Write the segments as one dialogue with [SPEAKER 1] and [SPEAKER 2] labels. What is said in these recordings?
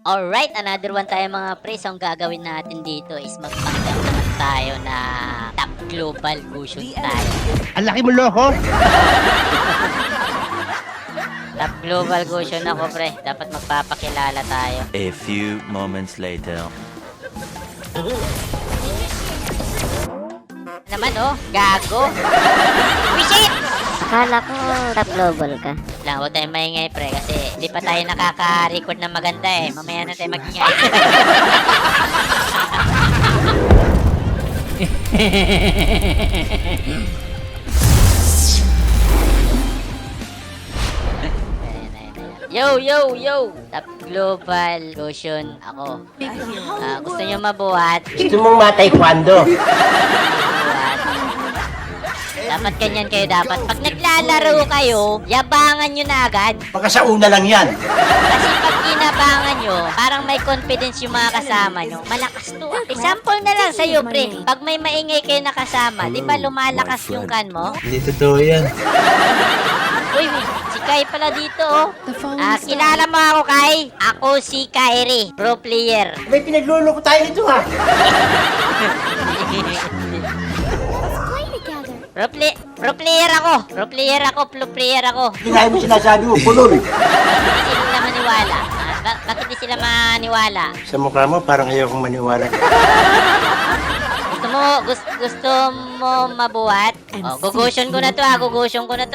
[SPEAKER 1] Alright, another one tayo mga pre. So, ang gagawin natin dito is magpanggap naman tayo na top global cushion tayo.
[SPEAKER 2] Ang laki mo loko!
[SPEAKER 1] Top global cushion ako pre. Dapat magpapakilala tayo.
[SPEAKER 3] A few moments later.
[SPEAKER 1] Naman oh, gago. Wisit!
[SPEAKER 4] Akala ko top global ka.
[SPEAKER 1] Lang, huwag tayong maingay pre kasi hindi pa tayo nakaka-record na maganda eh. Mamaya na tayo magingay. Yo, yo, yo! Top global cushion ako. Gusto nyo mabuhat?
[SPEAKER 2] Gusto mong ma-taekwondo?
[SPEAKER 1] Mabuhat. Dapat ganyan kayo dapat. Pag naglalaro kayo, yabangan nyo na agad.
[SPEAKER 2] Baka sa una lang yan.
[SPEAKER 1] Kasi pag inabangan nyo, parang may confidence yung mga kasama nyo. Malakas to. Example na lang sa'yo, pre. Pag may maingay kayo na kasama, di ba lumalakas yung kan mo?
[SPEAKER 2] Hindi totoo yan.
[SPEAKER 1] Uy, si Kai pala dito, oh. Kilala mo ako, Kai? Ako si Kairi, pro player.
[SPEAKER 2] May pinagluloko tayo nito ha.
[SPEAKER 1] Pro player ako. Pro player ako.
[SPEAKER 2] Hindi nga mo sinasabi mo, pulol.
[SPEAKER 1] Hindi sila maniwala. Bakit di sila maniwala?
[SPEAKER 2] Sa mukha mo, parang ayaw kong maniwala.
[SPEAKER 1] Gusto mo mabuhat? Oh, gugusion ko na to ah. Gugusion core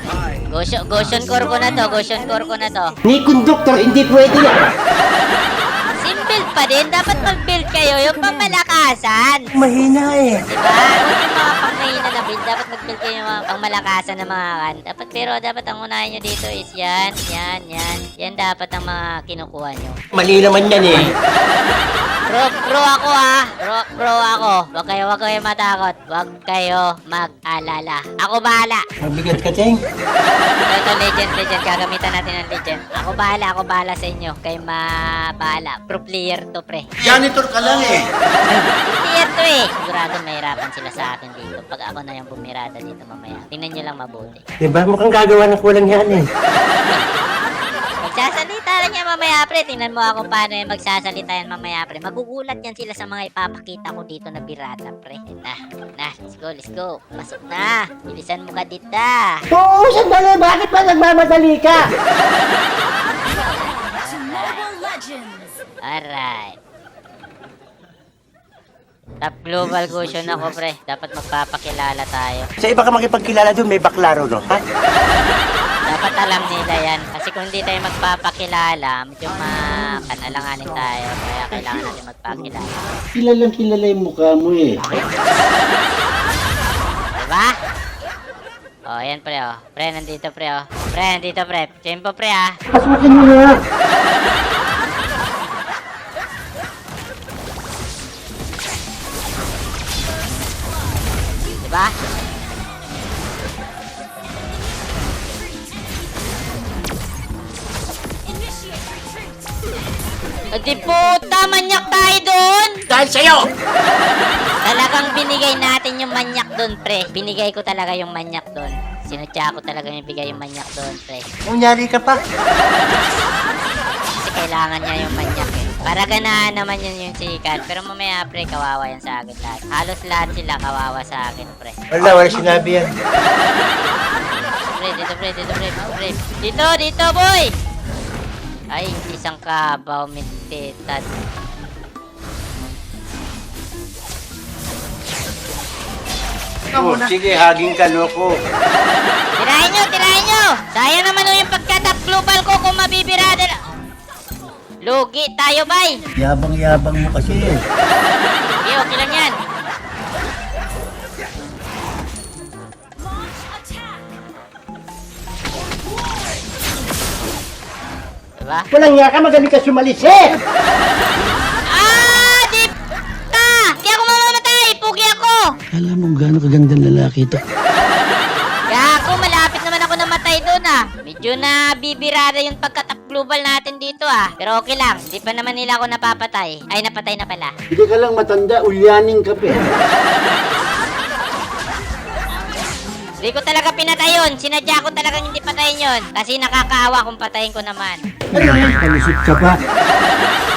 [SPEAKER 1] ko na to.
[SPEAKER 2] Ni conductor, hindi pwede yan.
[SPEAKER 1] Simple pa din. Dapat mag-build kayo. Yung pamalakasan.
[SPEAKER 2] Mahina eh.
[SPEAKER 1] Diba? Huwag yung mga pangmahina na build. Dapat mag-build kayo yung mga pangmalakasan na mga kan. Dapat ang unahin nyo dito is yan. Yan dapat ang mga kinukuha nyo.
[SPEAKER 2] Mali naman yan eh.
[SPEAKER 1] Pro ako ha. Pro ako. Huwag kayo matakot. Huwag kayo mag-alala. Ako bahala.
[SPEAKER 2] Mabigat ka, Cheng.
[SPEAKER 1] Ito, legend. Gagamitan natin ng legend. Ako bahala sa inyo. Kayo bahala. Pro player to, pre.
[SPEAKER 2] Janitor ka lang eh.
[SPEAKER 1] Pro player to eh. Sigurado mahirapan sila sa akin dito. Pag ako na yung bumirada dito mamaya. Tingnan nyo lang mabuti.
[SPEAKER 2] Diba? Mukhang gagawa ng kulang yan eh.
[SPEAKER 1] Magsasalita lang yan mamaya, pre. Tingnan mo ako paano yung magsasalita yan mamaya, pre. Magugulat yan sila sa mga ipapakita ko dito na birata, pre. Let's go. Pasok na. Bilisan mo ka dito.
[SPEAKER 2] Oo, sandali. Bakit ba nagmamadali ka?
[SPEAKER 1] Alright. Top global cushion ako, pre. Dapat magpapakilala tayo.
[SPEAKER 2] Sa iba ka makipagkilala doon, may baklaro, no? Ha?
[SPEAKER 1] Dapat alam nila yan. Kasi kung hindi tayo magpapakilala, medyo makanalanganin tayo. Kaya kailangan natin magpakilala.
[SPEAKER 2] Kilala yung mukha mo eh.
[SPEAKER 1] Diba? Oh, yan pre, oh. Pre, nandito pre, oh. Pre, nandito pre. Tempo pre, ah.
[SPEAKER 2] Pasukin mo na.
[SPEAKER 1] Diba? Di puta, manyak tayo doon!
[SPEAKER 2] Dahil sa'yo!
[SPEAKER 1] Talagang binigay natin yung manyak doon, pre. Binigay ko talaga yung manyak doon. Sinutya ko talaga yung bigay yung manyak doon, pre.
[SPEAKER 2] Kunyari ka pa.
[SPEAKER 1] Kasi kailangan niya yung manyak eh. Para ganahan naman yun yung sikat. Pero mamaya, pre, kawawa yan sa akin lahat. Halos lahat sila kawawa sa akin, pre.
[SPEAKER 2] Wala sinabi yan.
[SPEAKER 1] Pre. Dito, boy! Ay, isang kabaw, mintitat.
[SPEAKER 2] Oh, sige, haging ka, loko.
[SPEAKER 1] Tirahin nyo! Sayang naman yung pagka-top global ko kung mabibirada na. Lugi tayo, bay!
[SPEAKER 2] Yabang-yabang mo kasi eh.
[SPEAKER 1] Okay, okay lang yan. Diba?
[SPEAKER 2] Walang yaka, magaling ka sumalis eh!
[SPEAKER 1] Di ka! Di ako mamamatay! Pugi ako!
[SPEAKER 2] Alam mo gano'ng kagandang lalaki ito.
[SPEAKER 1] Gago, malapit naman ako namatay doon ah. Medyo na bibirada yung pagka-top global natin dito ah. Pero okay lang, hindi pa naman nila ako napapatay. Ay, napatay na pala.
[SPEAKER 2] Hindi ka lang matanda, ulyaning ka pa.
[SPEAKER 1] Hindi ko talaga pinatay yun. Sinadya ko talagang hindi patayin yun. Kasi nakakaawa kung patayin ko naman.
[SPEAKER 2] Ano yan? Kalusot ka pa.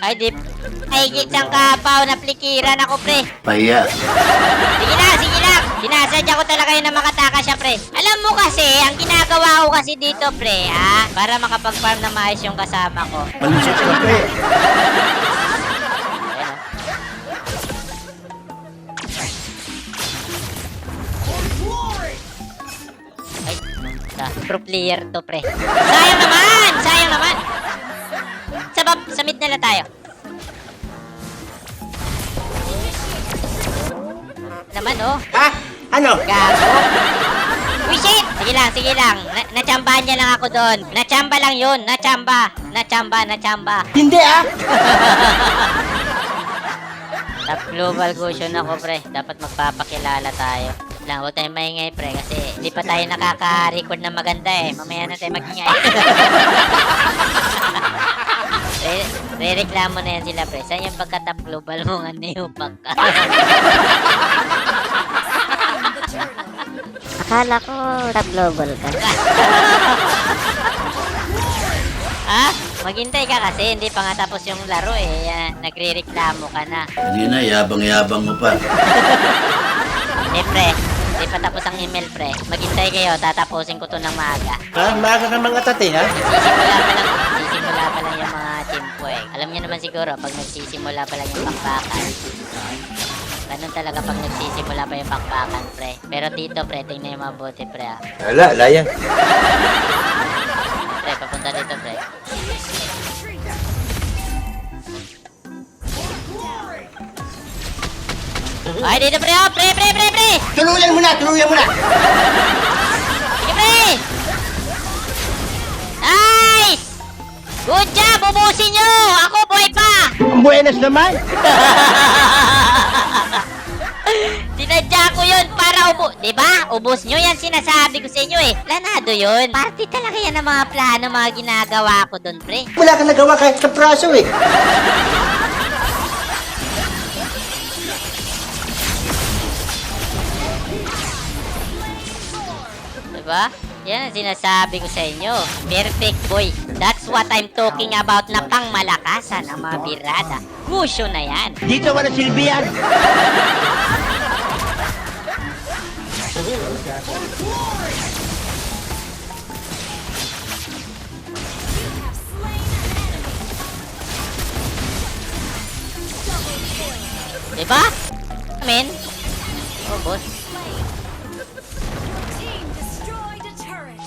[SPEAKER 1] Ay, di. Ay, isang kapaw na plikiran ako, pre.
[SPEAKER 2] Pahiya.
[SPEAKER 1] Sige lang. Sinasadya ko talaga yun na makataka siya, pre. Alam mo kasi, ang ginagawa ko kasi dito, pre, ha? Para makapag-farm na maayos yung kasama ko.
[SPEAKER 2] Malusot ka, pre.
[SPEAKER 1] Ayan, oh. Ay, pro player to, pre. Sayang naman. Sa mid na lang tayo. Naman, oh.
[SPEAKER 2] Ha? Ano?
[SPEAKER 1] Gago. Uy, shit! Sige lang. Natsambahan niya lang ako doon. Natsamba lang yun. Natsamba.
[SPEAKER 2] Hindi ah!
[SPEAKER 1] Top global cushion ako, pre. Dapat magpapakilala tayo. Lang, huwag tayong maingay, pre. Kasi hindi pa tayo nakaka-record na maganda eh. Mamaya na tayo magingay. Re-reklamo na yan sila, pre. Saan yung pagka-top global mo nga niyupak ka?
[SPEAKER 4] Akala ko top global ka.
[SPEAKER 1] Ha? Maghintay ka kasi. Hindi pa nga tapos yung laro eh. Nagre-reklamo ka na.
[SPEAKER 2] Hindi na, yabang-yabang mo pa.
[SPEAKER 1] Eh, pre. Hindi pa tapos ang email, pre. Maghintay kayo. Tatapusin ko to ng maaga.
[SPEAKER 2] Ha? Maaga ka mga tate, ha?
[SPEAKER 1] Nagsisimula pa lang yung mga chimpo eh. Alam niyo naman siguro, pag nagsisimula pa lang yung bakbakan. Ganun talaga pag nagsisimula pa yung bakbakan, pre. Pero dito, pre, tingnan yung mabuti, pre, ah.
[SPEAKER 2] Wala, layan.
[SPEAKER 1] Pre, papunta dito, pre. Ay, dito, pre, oh! Pre!
[SPEAKER 2] Tuluyan mo na!
[SPEAKER 1] Sige, pre! Nice! Good job! Ubusin nyo! Ako, buhay pa!
[SPEAKER 2] Ang buenas naman!
[SPEAKER 1] Sinadya ko yun para diba? Ubos nyo yan sinasabi ko sa inyo eh. Planado yun. Party talaga yan ng mga plano, mga ginagawa ko dun, pre.
[SPEAKER 2] Wala kang nagawa kahit sa praso eh.
[SPEAKER 1] Diba? Yan ang sinasabi ko sa inyo. Perfect boy. That's what I'm talking about na pangmalakasan ng mga birada. Kusyo na yan.
[SPEAKER 2] Dito wala silbi yan.
[SPEAKER 1] Diba? Amen. Oh, boss.
[SPEAKER 5] Team destroyed a turret.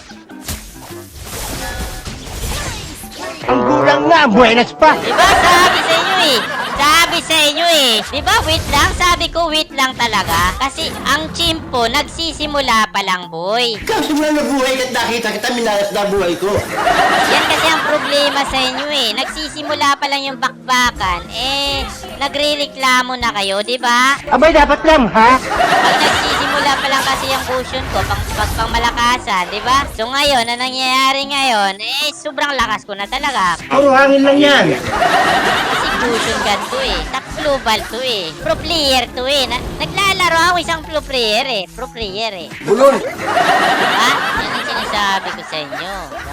[SPEAKER 2] Ang gulang nga, buenas pa.
[SPEAKER 1] Diba? Sabi sa inyo eh. Diba? Wait lang. Sabi ko wait lang talaga. Kasi ang chimpo nagsisimula pa lang, boy.
[SPEAKER 2] Kaso mo na buhay at nakita kita, minalas na buhay ko.
[SPEAKER 1] Yan kasi ang problema sa inyo eh. Nagsisimula pa lang yung bakbakan. Eh, nagre-reklamo na kayo, diba?
[SPEAKER 2] Abay, dapat lang, ha?
[SPEAKER 1] Pag nagsisimula pa lang kasi yung cushion ko, pang malakasan, diba? So ngayon, na nangyayari ngayon, eh, sobrang lakas ko na talaga.
[SPEAKER 2] Puro hangin lang yan.
[SPEAKER 1] Kasi cushion gun to eh. Top global to eh. Pro player to eh. Naglalaro ako isang pro player eh.
[SPEAKER 2] Bulol.
[SPEAKER 1] Diba? Yan ang sinasabi ko sa inyo. Diba?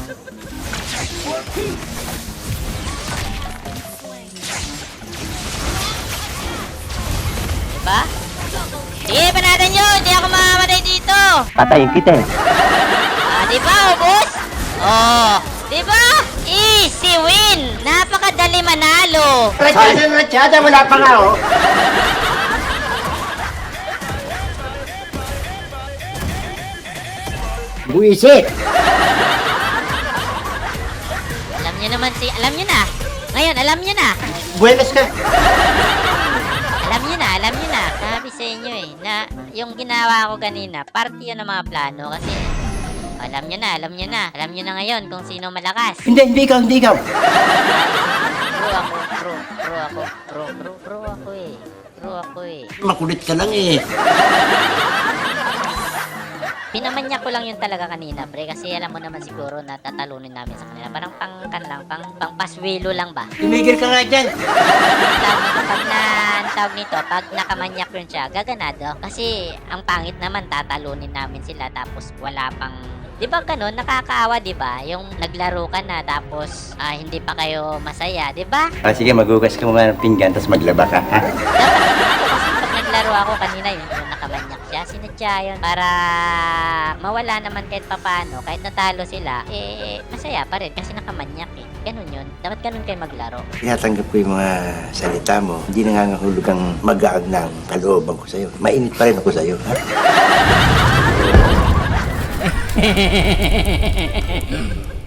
[SPEAKER 1] Diba? Sige, panatan nyo! Hindi ako mamamatay dito!
[SPEAKER 2] Patayin kita eh.
[SPEAKER 1] Diba, boss? Oh, diba? Easy win! Napakadali manalo!
[SPEAKER 2] Ratsyada, wala pa nga, oh. Buisit.
[SPEAKER 1] Alam nyo na. Ngayon, alam nyo na.
[SPEAKER 2] Buenas ka.
[SPEAKER 1] Alam nyo na. Sabi sa inyo eh, na yung ginawa ko kanina, party yun ng mga plano kasi alam nyo na. Alam nyo na ngayon kung sino malakas.
[SPEAKER 2] Hindi ikaw.
[SPEAKER 1] Pro ako eh.
[SPEAKER 2] Makulit ka lang eh.
[SPEAKER 1] Pinamanya ko lang yun talaga kanina, pre, kasi alam mo naman siguro na tatalunin namin sa kanila. Parang pang paswelo lang ba?
[SPEAKER 2] Tumigil ka nga dyan.
[SPEAKER 1] Tawag nito, pag nakamanyak yun siya, gaganado. Kasi ang pangit naman, tatalunin namin sila tapos wala pang Di ba ganun? Nakakaawa, di ba? Yung naglaro ka na tapos hindi pa kayo masaya, di ba?
[SPEAKER 2] Sige, magugas ka muna ng pinggan, tapos maglaba ka, ha?
[SPEAKER 1] Pag naglaro ako kanina yung nakamanyak siya, sinadya yun para mawala naman kahit papano, kahit natalo sila, masaya pa rin kasi nakamanyak eh. Ganun yun. Dapat ganun kayo maglaro.
[SPEAKER 6] Tinatanggap ko yung mga salita mo. Hindi nangangahulog ang mag-aag ng kalooban ko sa'yo. Mainit pa rin ako sa'yo. Ha?